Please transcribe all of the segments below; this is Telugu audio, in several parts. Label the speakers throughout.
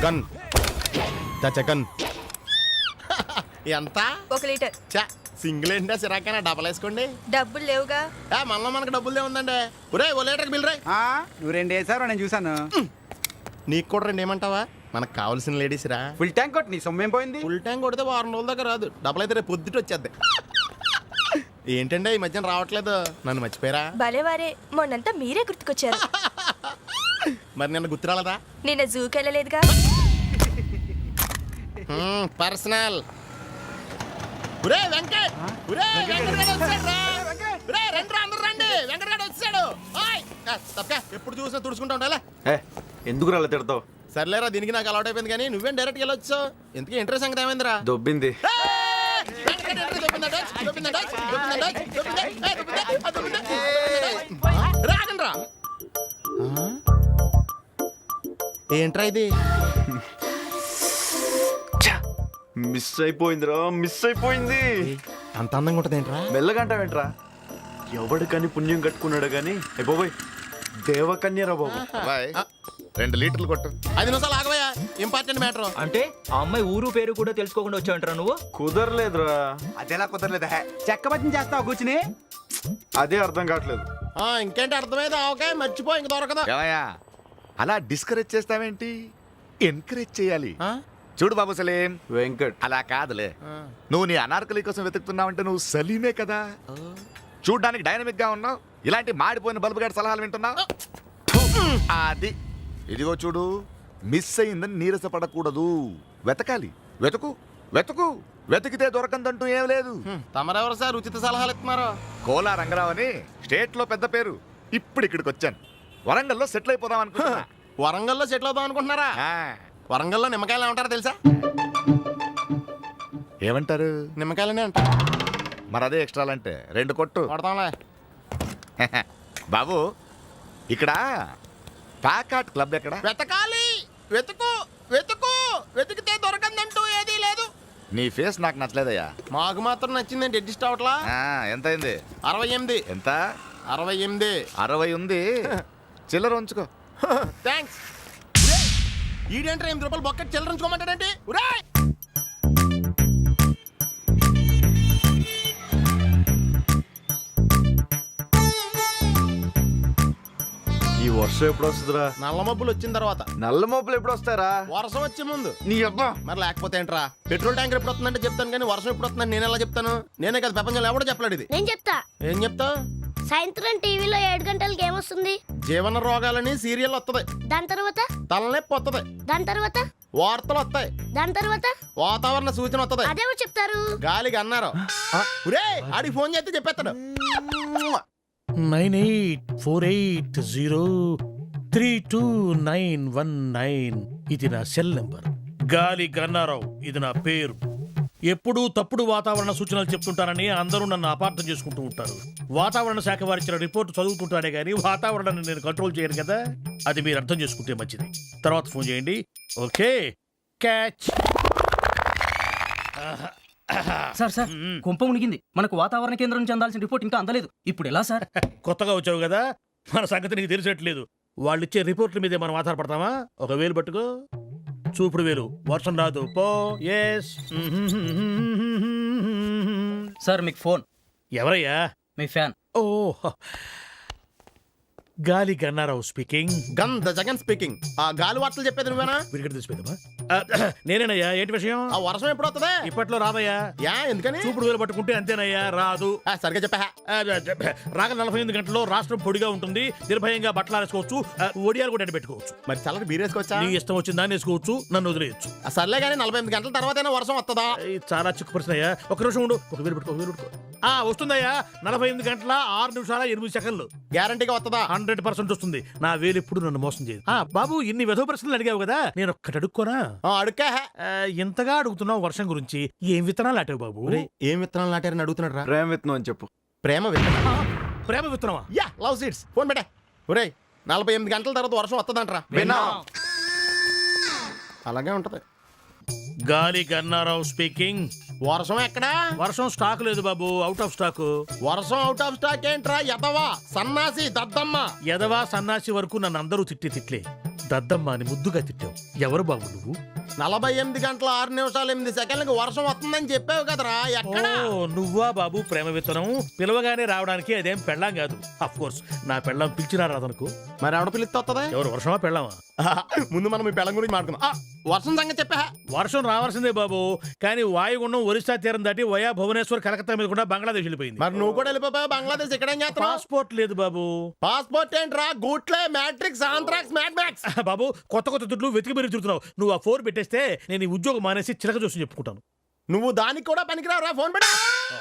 Speaker 1: గన్ గన్ ఎంత?
Speaker 2: 1 లీటర్.
Speaker 1: చా సింగిల్ ఏంటా సిరాకైనా డబల్ వేసుకోండి.
Speaker 2: డబ్బులు లేవుగా.
Speaker 1: మనలో మనకు డబ్బులు ఉందండి. ఒరే ఓ లీటర్కి బిల్ రాయ్.
Speaker 3: నువ్వు 2 వేసావు, నేను చూసాను.
Speaker 1: నీకు కూడా 2 ఏమంటావా? మనకు కావాల్సిన లేడీస్ రా.
Speaker 3: ఫుల్ ట్యాంక్ కొట్టి నీ సొమ్మేం పోయింది?
Speaker 1: ఫుల్ ట్యాంక్ కొడితే 2 రోజుల దాకా రాదు. డబ్బులు అయితే రేపు పొద్దుట వచ్చేద్ది. ఏంటంటే ఈ మధ్యన రావట్లేదు, నన్ను మర్చిపోయారా?
Speaker 2: భలేవారే, మొన్నంతా మీరే గుర్తుకొచ్చారు.
Speaker 1: మరి నిన్న గుర్తు రాలేదా?
Speaker 2: నిన్న జూకి వెళ్ళలేదుగా.
Speaker 1: పర్సనల్. ఒరే వెంకట్, ఒరే వెంకట్ వచ్చాడు రా. ఒరే రండి రా, అందరూ రండి, వెంకట్ వచ్చాడు. ఓయ్ తప్పక ఎప్పుడు చూసినా తుడుచుకుంటా ఉండాలా?
Speaker 4: ఎందుకు రాలే తిడతావు?
Speaker 1: సర్లేరా, దీనికి నాకు అలవాటు అయిపోయింది. కానీ నువ్వేం డైరెక్ట్గా వెళ్ళొచ్చు? ఎందుకు ఇంట్రెస్ట్ సంగతి ఏమైందిరా?
Speaker 4: దొబ్బింది.
Speaker 1: రాగండ్రా. ఏంట్రా ఇది?
Speaker 4: మిస్ అయిపోయిందిరా, మిస్ అయిపోయింది.
Speaker 1: అంత అందంగా ఉంటుంది ఏంట్రా?
Speaker 4: మెల్లగంటావేంట్రా? ఎవడికని పుణ్యం కట్టుకున్నాడు గాని బాబోయ్, దేవకన్యరా బాబు.
Speaker 1: 2 లీటర్లు కొట్టు. 5 నిమిషాలు ఆగవయ్యా, ఇంపార్టెంట్ మ్యాటర్.
Speaker 5: అంటే ఆ అమ్మాయి ఊరు పేరు కూడా తెలుసుకోకుండా వచ్చావంటారా నువ్వు?
Speaker 4: కుదరలేదురా.
Speaker 3: అదేలా కుదరలేదా? చెక్క బజ్జం చేస్తావు కూర్చుని.
Speaker 4: అదే అర్థం కావట్లేదు.
Speaker 1: ఇంకేంటి అర్థమైంది? ఆవకాయ మర్చిపో, ఇంక దొరకదు.
Speaker 6: అలా డిస్కరేజ్ చేస్తావేంటి? ఎంకరేజ్ చేయాలి. చూడు బాబు సలీం,
Speaker 4: వెంకట్
Speaker 6: అలా కాదులే. నువ్వు నీ అనార్కలి కోసం వెతుకుతున్నావంటే నువ్వు సలీమే కదా. చూడ్డానికి డైనమిక్ గా ఉన్నావు, ఇలాంటి మాడిపోయిన బల్బు గారి సలహాలు వింటున్నావు. అది ఇదిగో చూడు, మిస్ అయిందని నీరసపడకూడదు. వెతకాలి, వెతుకు వెతుకు, వెతికితే దొరకందంటూ ఏం లేదు.
Speaker 1: తమరెవరు సార్ ఉచిత సలహాలు ఇస్తున్నారు?
Speaker 6: కోలా రంగరావు అని స్టేట్ లో పెద్ద పేరు. ఇప్పుడు ఇక్కడికి వచ్చాను. వరంగల్లో సెటిల్ అయిపోదాం అనుకుంటున్నా.
Speaker 1: వరంగల్లో సెటిల్ అవుదాం అనుకుంటున్నారా? వరంగల్లో నిమ్మకాయలు ఏమంటారో తెలుసా?
Speaker 6: ఏమంటారు?
Speaker 1: నిమ్మకాయలనే అంటారు.
Speaker 6: మరి అదే ఎక్స్ట్రాలంటే 2 కొట్టు.
Speaker 1: కొడతాంలే.
Speaker 6: బాబు, ఇక్కడ ప్యాకాట్ క్లబ్ ఎక్కడ?
Speaker 1: వెతకాలి, వెతుకు వెతుకు, వెతికితే దొరకందంటూ ఏదీ లేదు.
Speaker 6: నీ ఫేస్ నాకు నచ్చలేదయ్యా.
Speaker 1: మాకు మాత్రం నచ్చిందండి. అడ్జస్ట్ అవట్లా.
Speaker 6: ఎంత అయింది?
Speaker 1: 68.
Speaker 6: ఎంత?
Speaker 1: 68.
Speaker 6: 60 ఉంది. చిల్లర ఉంచుకో.
Speaker 1: థ్యాంక్స్. ఈడేంట్రా 8 రూపాయలు బొక్కటి చిల్లర ఉంచుకోమంటాడేంటి?
Speaker 4: ఈ వర్షం ఎప్పుడు వస్తుందిరా?
Speaker 1: నల్ల మబ్బులు వచ్చిన తర్వాత.
Speaker 4: నల్ల మోపులు ఎప్పుడు వస్తారా?
Speaker 1: వర్షం వచ్చే ముందు.
Speaker 4: నీ అబ్బా.
Speaker 1: మరి లేకపోతే ఏంట్రా? పెట్రోల్ ట్యాంకర్ ఎప్పుడు వస్తుందంటే చెప్తాను, కానీ వర్షం ఎప్పుడు వస్తుందని నేను ఎలా చెప్తాను? నేనే కదా ప్రపంచంలో ఎవడో చెప్పలేడు ఇది.
Speaker 7: నేను చెప్తా.
Speaker 1: ఏం చెప్తావు?
Speaker 7: సాయంత్రం టీవీలో 7 గంటలకి ఏమొస్తుంది?
Speaker 1: జీవన రోగాలని సీరియల్ వస్తుంది.
Speaker 7: దాని తర్వాత?
Speaker 1: తలనొప్పి వస్తుంది.
Speaker 7: దాని తర్వాత?
Speaker 1: వార్తలు వస్తాయి.
Speaker 7: దాని తర్వాత?
Speaker 1: వాతావరణ సూచన వస్తుంది.
Speaker 7: అదేమో చెప్తారు.
Speaker 1: గాలికి అన్నారు. ఆడికి ఫోన్ చేస్తే చెప్పేస్తాడు.
Speaker 8: 9848032919. ఇది నా సెల్ నెంబర్. గాలి గన్నారావు ఇది నా పేరు. ఎప్పుడూ తప్పుడు వాతావరణ సూచనలు చెప్తుంటానని అందరూ నన్ను అపార్థం చేసుకుంటూ ఉంటారు. వాతావరణ శాఖ వారిచ్చిన రిపోర్ట్ చదువుతుంటానే గానీ వాతావరణాన్ని నేను కంట్రోల్ చేయను కదా. అది మీరు అర్థం చేసుకుంటే మంచిది. తర్వాత ఫోన్ చేయండి. Okay, catch.
Speaker 5: సార్ సార్, కుంప మునిగింది. మనకు వాతావరణ కేంద్రం నుంచి అందాల్సిన రిపోర్ట్ ఇంకా అందలేదు. ఇప్పుడు ఎలా సార్?
Speaker 8: కొత్తగా వచ్చావు కదా, మన సంగతి నీకు తెలిసేట్లేదు. వాళ్ళు ఇచ్చే రిపోర్ట్ల మీదే మనం ఆధారపడతామా? 1,000 పట్టుకో, చూపుడు వేలు. వర్షం రాదు పో. ఎస్
Speaker 5: సార్ మీకు ఫోన్.
Speaker 8: ఎవరయ్యా?
Speaker 5: మీ ఫ్యాన్.
Speaker 8: ఓ, Gali Gannarao speaking.
Speaker 1: Gun the Jagan speaking. ఆ గాలి వార్తలు చెప్పేది నువ్వేనా?
Speaker 8: విరిగడ తీసిపోయిందమ్మా. నేనేనయ్యా. ఏంటి విషయం?
Speaker 1: ఆ వర్షం ఎప్పుడు వస్తుంది?
Speaker 8: ఇప్పట్లో రాదయ్యా.
Speaker 1: ఎందుకని?
Speaker 8: చూపుడు వేలు పట్టుకుంటే అంతేనయ్యా, రాదు.
Speaker 1: సరిగ్గా చెప్పా.
Speaker 8: రాగ 48 గంటల్లో రాష్ట్రం పొడిగా ఉంటుంది. నిర్భయంగా బట్టలు ఆరేసుకోవచ్చు, ఒడియాలు కూడా పెట్టుకోవచ్చు.
Speaker 1: మరి చల్లటి బీరేసుకోవచ్చా?
Speaker 8: నీ ఇష్టం వచ్చిందా వేసుకోవచ్చు, నన్ను వదిలేయచ్చు.
Speaker 1: సర్లే కానీ 48 గంటల తర్వాతైనా వర్షం వస్తుందా?
Speaker 8: చాలా చిక్కు ప్రశ్న అయ్యా. ఒక నిమిషం ఉండు. ఒక వేలు పెట్టుకో. వస్తుందయ్యా. 48 గంటల 6 నిమిషాల 8 సెకండ్లు.
Speaker 1: గ్యారంటీగా వస్తుందా?
Speaker 8: 100% వస్తుంది. నా వేలు ఎప్పుడు నన్ను మోసం చేయదు. బాబు, ఇన్ని వెధవ ప్రశ్నలు అడిగావు కదా, నేను ఒక్కటి అడుక్కోనా?
Speaker 1: అడుక్కా.
Speaker 8: ఇంతగా అడుగుతున్నావు వర్షం గురించి. ఏం విత్తనాలు నాటావు బాబు?
Speaker 1: ఏం విత్తనాలు నాటారని అడుగుతున్నాడు రా.
Speaker 4: ప్రేమ విత్తనం అని చెప్పు.
Speaker 1: ప్రేమ విత్తనం?
Speaker 8: ప్రేమ విత్తనమా?
Speaker 1: Yeah, love seeds. ఫోన్ పెట్టా. ఒరే, 48 గంటల తర్వాత వర్షం వస్తుందంటరా. అలాగే ఉంటది.
Speaker 8: గాలి గన్నారావు స్పీకింగ్.
Speaker 1: వర్షం ఎక్కడా?
Speaker 8: వర్షం స్టాక్ లేదు బాబు, అవుట్ ఆఫ్ స్టాక్.
Speaker 1: వర్షం అవుట్ ఆఫ్ స్టాక్ ఏంట్రా? ఎదవా, సన్నాసి, దద్దమ్మ.
Speaker 8: ఎదవా సన్నాసి వరకు నన్ను అందరూ తిట్లే. దద్దమ్మ అని ముద్దుగా తిట్టావు. ఎవరు బాబు నువ్వు?
Speaker 1: 48 గంటల 6 నిమిషాలు 8 సెకండ్లకు వర్షం వస్తుందని చెప్పావు కదరా, ఎక్కడ?
Speaker 8: ఓ, నువ్వా బాబు ప్రేమ విత్తనం? పిలవగానే రావడానికి అదేం పెళ్ళాం కాదు. అఫ్ కోర్స్ నా పెళ్ళాం పిలిచినా రాదనుకో.
Speaker 1: మరి ఎవడ పిలిస్తే వస్తుందా?
Speaker 8: ఎవరు, వర్షమా పెళ్ళామా?
Speaker 1: ముందు మనం ఈ పెళ్ళం గురించి మాట్లాడుకుందాం. వర్షం సంగతి చెప్పా.
Speaker 8: వర్షం రావాల్సిందే బాబు, కానీ వాయుగుండం ఒరిస్సా తీరం దాటి వయా భువనేశ్వర్ కలకత్తా మీద కూడా బంగ్లాదేశ్ వెళ్ళిపోయింది.
Speaker 1: మరి నువ్వు కూడా వెళ్ళిపోయావు బంగ్లాదేశ్. ఇక్కడ ఏం చేస్తున్నావు?
Speaker 8: పాస్పోర్ట్ లేదు బాబు.
Speaker 1: పాస్పోర్ట్ ఏంట్రా? గూట్లే, మ్యాట్రిక్స్, ఆంథ్రాక్స్, మ్యాడ్ మ్యాక్స్.
Speaker 8: బాబు కొత్త కొత్త దుడ్లు వెతికి మీరు తిరుగుతున్నావు. నువ్వు ఆ 4 పెట్టేస్తే నేను ఈ ఉద్యోగం మానేసి చిలక చూసి చెప్పుకుంటాను.
Speaker 1: నువ్వు దానికి కూడా పనికిరావురా, ఫోన్ పెట్టా.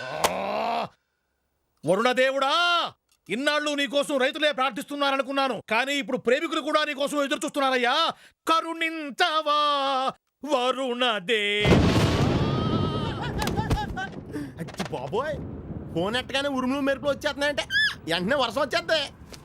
Speaker 8: వరుణదేవుడా, ఇన్నాళ్ళు నీకోసం రైతులే ప్రార్థిస్తున్నారనుకున్నాను, కానీ ఇప్పుడు ప్రేమికులు కూడా నీకోసం ఎదురు చూస్తున్నారయ్యా. కరుణించవా వరుణదే.
Speaker 1: అచ్చి బాబోయ్, ఫోన్ ఎట్టగానే ఉరుములు మెరుపులు వచ్చేస్తున్నాయంటే వెంటనే వర్షం వచ్చేద్దే.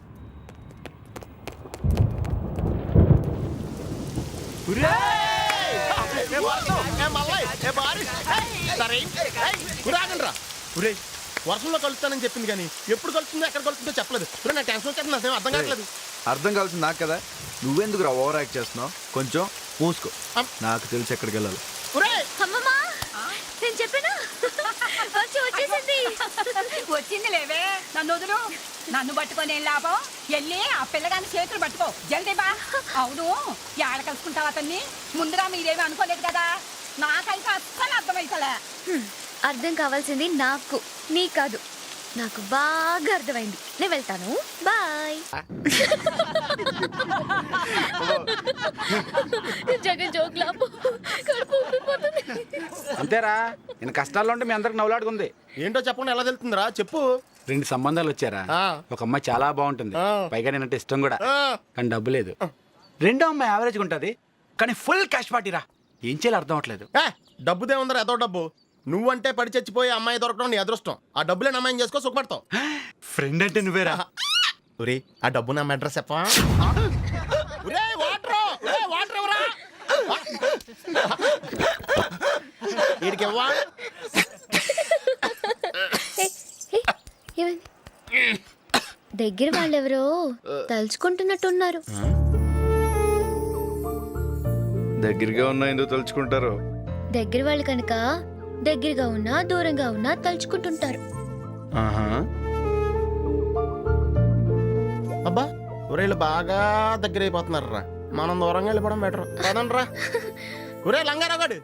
Speaker 1: వర్షంలో కలుస్తానని చెప్పింది కానీ ఎప్పుడు కలుస్తుందో ఎక్కడ కలుస్తుందో చెప్పలేదు. నా టెన్షన్ వచ్చేస్తుంది, అసలు అర్థం కావట్లేదు.
Speaker 4: అర్థం కావాల్సింది నాకు కదా, నువ్వెందుకు ఓవర్ యాక్ట్ చేస్తున్నావు? కొంచెం మూసుకో, నాకు తెలిసి ఎక్కడికి వెళ్ళాలి.
Speaker 2: అమ్మమ్మా, నేను చెప్పానా? వచ్చేసింది.
Speaker 9: వచ్చింది లేవే, నన్ను వదులు. నన్ను పట్టుకొని ఏం లాభం? వెళ్ళి ఆ పిల్లగాని చేతులు పట్టుకో, జల్దీ బా. అవును, ఏడ కలుసుకుంటావు అతన్ని? ముందుగా మీరేమి అనుకోలేదు కదా. నాకైతే అస్సలు అర్థమైతలే.
Speaker 2: అర్థం కావాల్సింది నాకు, నీ కాదు. నాకు బాగా అర్థమైంది. నేను వెళ్తాను, బాయ్. జగన్ జోక్లాపు కడుపు ఉబ్బిపోతుంది.
Speaker 3: అంతేరా, నేను కష్టాల్లో ఉంటే మీ అందరికి నవ్వులాడుకుంది.
Speaker 1: ఏంటో చెప్పకుండా ఎలా తెలుతుందిరా, చెప్పు.
Speaker 3: 2 సంబంధాలు వచ్చారా. ఒక అమ్మాయి చాలా బాగుంటుంది, పైగా నేనంటే ఇష్టం కూడా, కానీ డబ్బు లేదు. రెండో అమ్మాయి యావరేజ్గా ఉంటుంది, కానీ ఫుల్ క్యాష్ పార్టీరా. ఏం చేయాలో అర్థం అవట్లేదు.
Speaker 1: డబ్బుదే ఉందరా, ఏదో డబ్బు. నువ్వంటే పడి చచ్చిపోయి అమ్మాయి దొరకడం నీ అదృష్టం. ఆ డబ్బులే అమ్మాయిని చేసుకో, సుఖపడతావు.
Speaker 3: ఫ్రెండ్ అంటే నువ్వేరా.
Speaker 1: ఒరే, ఆ డబ్బు నా అడ్రస్ చెప్పా. వాటర్ ఎవరా? వీడికి ఇవ్వా.
Speaker 2: దగ్గర వాళ్ళెవరో తలుచుకుంటున్నట్టున్నారు.
Speaker 4: దగ్గరగా ఉన్నా ఎందుకు తలుచుకుంటారు?
Speaker 2: దగ్గర వాళ్ళు కనుక దగ్గరగా ఉన్నా దూరంగా ఉన్నా తలుచుకుంటుంటారు.
Speaker 1: అబ్బా, ఒరేళ్ళు బాగా దగ్గర అయిపోతున్నారు రా. మనం దూరంగా వెళ్ళిపోవడం బెటర్ కదనరా. ఒరే లంగారాగాడు.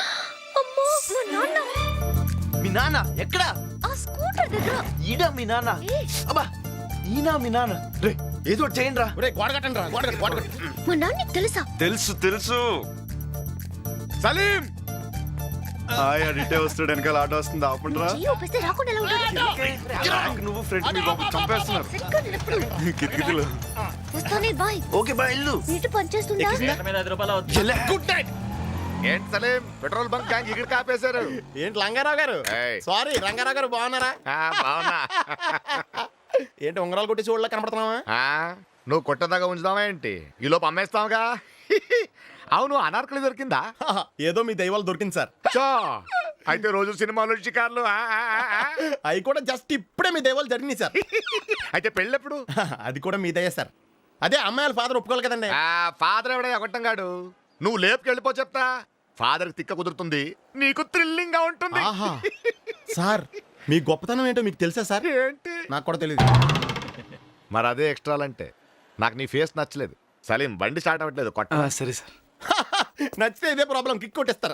Speaker 3: మీ నాన్న ఎక్కడా?
Speaker 2: ఆ స్కూటర్ దగ్గర.
Speaker 3: ఈడా మీ నాన్న? అబ్బా, ఈనా మీ నాన్న? రే, ఏదో ఒకటి చేయండి రా.
Speaker 1: ఒరే గోడ కట్టండి రా, గోడ కట్టు, గోడ కట్టు.
Speaker 2: మా నాన్న తెలుసా?
Speaker 4: తెలుసు తెలుసు.
Speaker 6: సలీం,
Speaker 4: హాయ్, అడిటే వస్తాడు, వెనకాల ఆటో వస్తుంది, ఆపండిరా.
Speaker 2: చెయ్యి ఊపిస్తే రాకుండా ఎలా ఉంటుంది?
Speaker 4: నువ్వు ఫ్రెండ్ మీ బాబు చంపేస్తున్నారు.
Speaker 2: సరిగ్గా నిలబడు.
Speaker 4: కిటికీలు.
Speaker 2: వస్తానే బాయ్.
Speaker 3: ఓకే బాయ్, ఇల్లు.
Speaker 2: నీటి పనిచేస్తుందా?
Speaker 6: Good night. ఏంటి సలీం, పెట్రోల్ బంక్ గ్యాంగ్ ఇక్కడ కాపేశారు?
Speaker 1: ఏంటి లంగారావు గారు?
Speaker 6: ఏయ్.
Speaker 1: సారీ రంగారావు గారు, బాగున్నారా?
Speaker 6: బావునా?
Speaker 1: ఏంటి ఉంగరాలు కొట్టి చూడలే కనపడుతున్నావా?
Speaker 6: నువ్వు కొట్టదాకా ఉంచుదావా ఏంటి? ఈ లోపు అమ్మేస్తావుగా. అవును, అనార్కలి దొరికిందా?
Speaker 1: ఏదో మీ దైవాలు దొరికింది సార్.
Speaker 6: చో, అయితే రోజు సినిమాలు షికార్లు.
Speaker 1: అవి కూడా జస్ట్ ఇప్పుడే మీ దైవాలు జరిగినాయి సార్.
Speaker 6: అయితే పెళ్ళెప్పుడు?
Speaker 1: అది కూడా మీ దయ సార్. అదే అమ్మాయిల ఫాదర్ ఒప్పుకోవాలి కదండి.
Speaker 6: ఫాదర్ ఎవడే ఒకటంగాడు. నువ్వు లేపుకి వెళ్ళిపో చెప్తా. ఫాదర్ తిక్క కుదురుతుంది, నీకు థ్రిల్లింగ్ గా ఉంటుంది.
Speaker 1: ఆహా. సార్, మీ గొప్పతనం ఏంటో మీకు తెలుసా సార్?
Speaker 6: ఏంటి?
Speaker 1: నాకు కూడా తెలియదు.
Speaker 6: మరి అదే ఎక్స్ట్రాలంటే. నాకు నీ ఫేస్ నచ్చలేదు. సలీం, బండి స్టార్ట్ అవ్వట్లేదు, కొట్ట.
Speaker 3: సరే సార్.
Speaker 1: నచ్చితే ఇదే ప్రాబ్లం, కిక్ కొట్టేస్తారు.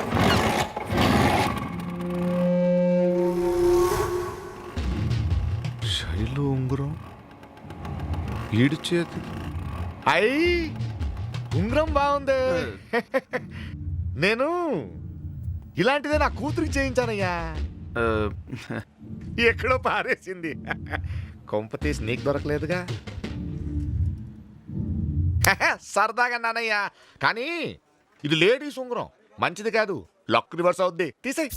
Speaker 6: శైలు ఉంగరం, ఈడు చేతి. అయ్యి, ఉంగరం బాగుంది. నేను ఇలాంటిదే నా కూతురికి చేయించానయ్యా. ఎక్కడో పారేసింది. కొంప తీసి నీకు దొరకలేదుగా. సరదాగా నానయ్యా, కానీ ఇది లేడీస్ ఉంగరం, మంచిది కాదు. లక్ రివర్స్ అవుద్ది. తీసేయ్.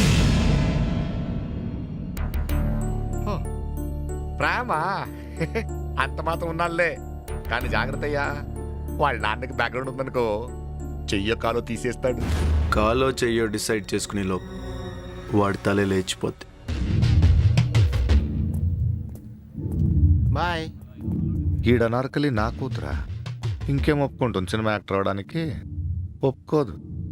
Speaker 6: ప్రేమ అంత మాత్రం ఉన్నాళ్ళే, కానీ జాగ్రత్త అయ్యా. వాళ్ళ నాన్నకి బ్యాక్గ్రౌండ్ ఉందనుకో, చెయ్యో కాలో తీసేస్తాడు.
Speaker 4: కాలో చెయ్యో డిసైడ్ చేసుకునే లోపు వాడి తలే లేచిపోద్ది.
Speaker 1: బాయ్.
Speaker 6: ఈడనార్కలి నా కూతురా? ఇంకేం ఒప్పుకుంటుంది సినిమా యాక్టర్ అవడానికి? ఒప్పుకోదు.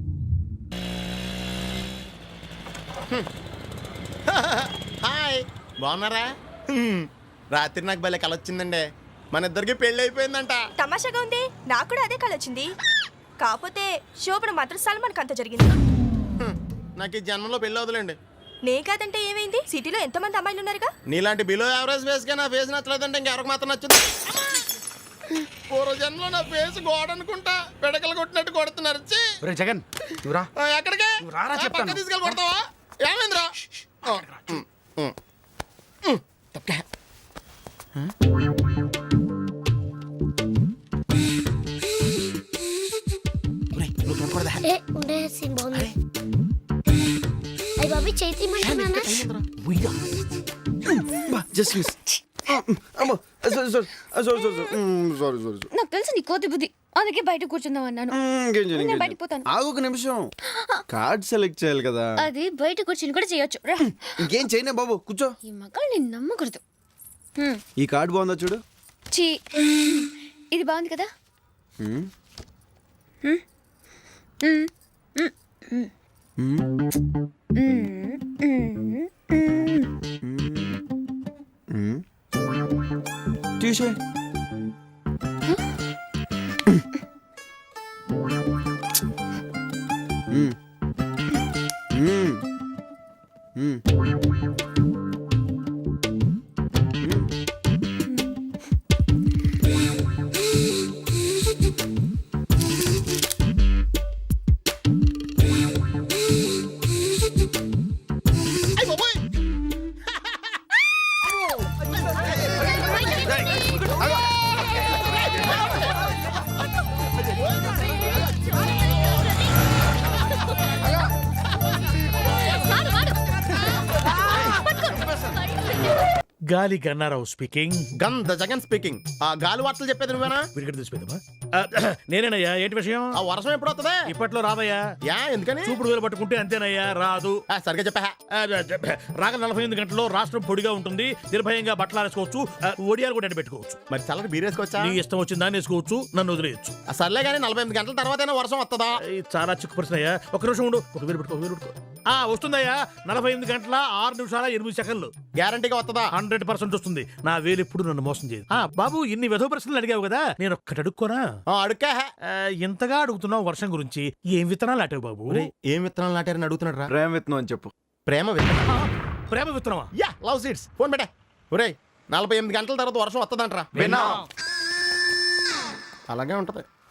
Speaker 1: హాయ్, బాగున్నారా? రాత్రి నాకు భలే కల వచ్చిందండి. మన ఇద్దరికి పెళ్లి అయిపోయిందంట.
Speaker 10: తమాషాగా ఉంది, నాకు కూడా అదే కళ వచ్చింది. కాకపోతే శోభన మాత్రం సల్మాన్ అంత జరిగింది.
Speaker 1: నాకు ఈ జన్మలో పెళ్లి వదలండి.
Speaker 10: నే కాదంటే ఏమైంది? సిటీలో ఎంతమంది అమ్మాయిలు ఉన్నారుగా.
Speaker 1: నీలాంటి బిలో యావరేజ్ ఫేస్ గా నా ఫేస్ నచ్చలేదంటే ఇంకెవరికి మాత్రం నచ్చింది? పూర్వ జన్మలో నా ఫేస్ గోడ అనుకుంటా పిడకలు కొట్టినట్టు కొడుతున్నారు. ఛీ!
Speaker 3: ఒరే జగన్ నువ్వు రా.
Speaker 1: ఎక్కడికి?
Speaker 3: నువ్వు రారా
Speaker 1: పక్క
Speaker 3: చెప్తాను.
Speaker 1: తీసుకెళ్ళి కొడతావా? ఏమైందిరా?
Speaker 7: ఏ ఉండే సీన్ బాగుంది. అయ్య బాబీ చేతి మంటున్నానా?
Speaker 4: Just miss. Sorry sorry sorry sorry sorry.
Speaker 2: నాకు తెలుసు నీ కోతి బుద్ధి, అందుకే బయట కూర్చుందాం అన్నాను. నేను బయటికి పోతాను.
Speaker 4: ఆగు ఒక నిమిషం, కార్డ్ సెలెక్ట్ చేయాలి కదా.
Speaker 2: అది బయట కూర్చుని కూడా చేయొచ్చు. రా.
Speaker 4: ఇంకేం చేయనే బాబు, కూర్చో.
Speaker 2: ఈ మగాళ్ళు నేను నమ్మకూడదు.
Speaker 4: ఈ కార్డ్ బాగుందా చూడు.
Speaker 2: చీ, ఇది బాగుంది కదా.
Speaker 4: తీసే.
Speaker 8: గాలి గన్నారావు స్పీకింగ్.
Speaker 1: గంధ జగన్ స్పీకింగ్. ఆ గాలి వార్తలు చెప్పేది నువ్వేనా?
Speaker 8: విడిగడ తీసిపోయిందమ్మా. నేనేనయ్యా, ఏంటి విషయం?
Speaker 1: ఆ వర్షం ఎప్పుడు వస్తుందా?
Speaker 8: ఇప్పట్లో రాదయ్యా.
Speaker 1: యా ఎందుకని?
Speaker 8: చూపుడు వేలు పట్టుకుంటే అంతేనయ్యా, రాదు.
Speaker 1: సరిగ్గా చెప్పా.
Speaker 8: రాగల 48 గంటల్లో రాష్ట్రం పొడిగా ఉంటుంది, నిర్భయంగా బట్టలు ఆరేసుకోవచ్చు, ఒడియాలు కూడా పెట్టుకోవచ్చు.
Speaker 1: మరి చల్లటి బీరేసుకోవచ్చా?
Speaker 8: నీ ఇష్టం వచ్చిన దాన్ని వేసుకోవచ్చు, నన్ను వదిలేయచ్చు.
Speaker 1: సర్లే కానీ 48 గంటల తర్వాత వర్షం వస్తుందా?
Speaker 8: చాలా చిక్కు ప్రశ్న అయ్యా. ఒక నిమిషం ఉండు, ఒక వేలు పెట్టుకో. వస్తుందయ్యా. 48 గంటల 6 నిమిషాల 8 సెకండ్లు
Speaker 1: గ్యారంటీగా వస్తుందా?
Speaker 8: 100% వస్తుంది. నా వేలు ఎప్పుడు నన్ను మోసం చేయదు. బాబు, ఇన్ని వెధవ ప్రశ్నలు అడిగావు కదా, నేను ఒక్కటి అడుక్కోనా?
Speaker 1: అడుక్కా.
Speaker 8: ఇంతగా అడుగుతున్నావు వర్షం గురించి, ఏం విత్తనాలు నాటావు బాబు?
Speaker 1: ఏం విత్తనాలు నాటారని అడుగుతున్నాడు రా.
Speaker 4: ప్రేమ విత్తనం అని చెప్పు.
Speaker 1: ప్రేమ విత్తనం?
Speaker 8: ప్రేమ విత్తనమా?
Speaker 1: Yeah, love seeds. ఫోన్ పెట్టే. ఒరేయ్, 48 గంటల తర్వాత వర్షం వస్తుందంటరా.
Speaker 4: విన్నా.
Speaker 1: అలాగే ఉంటది.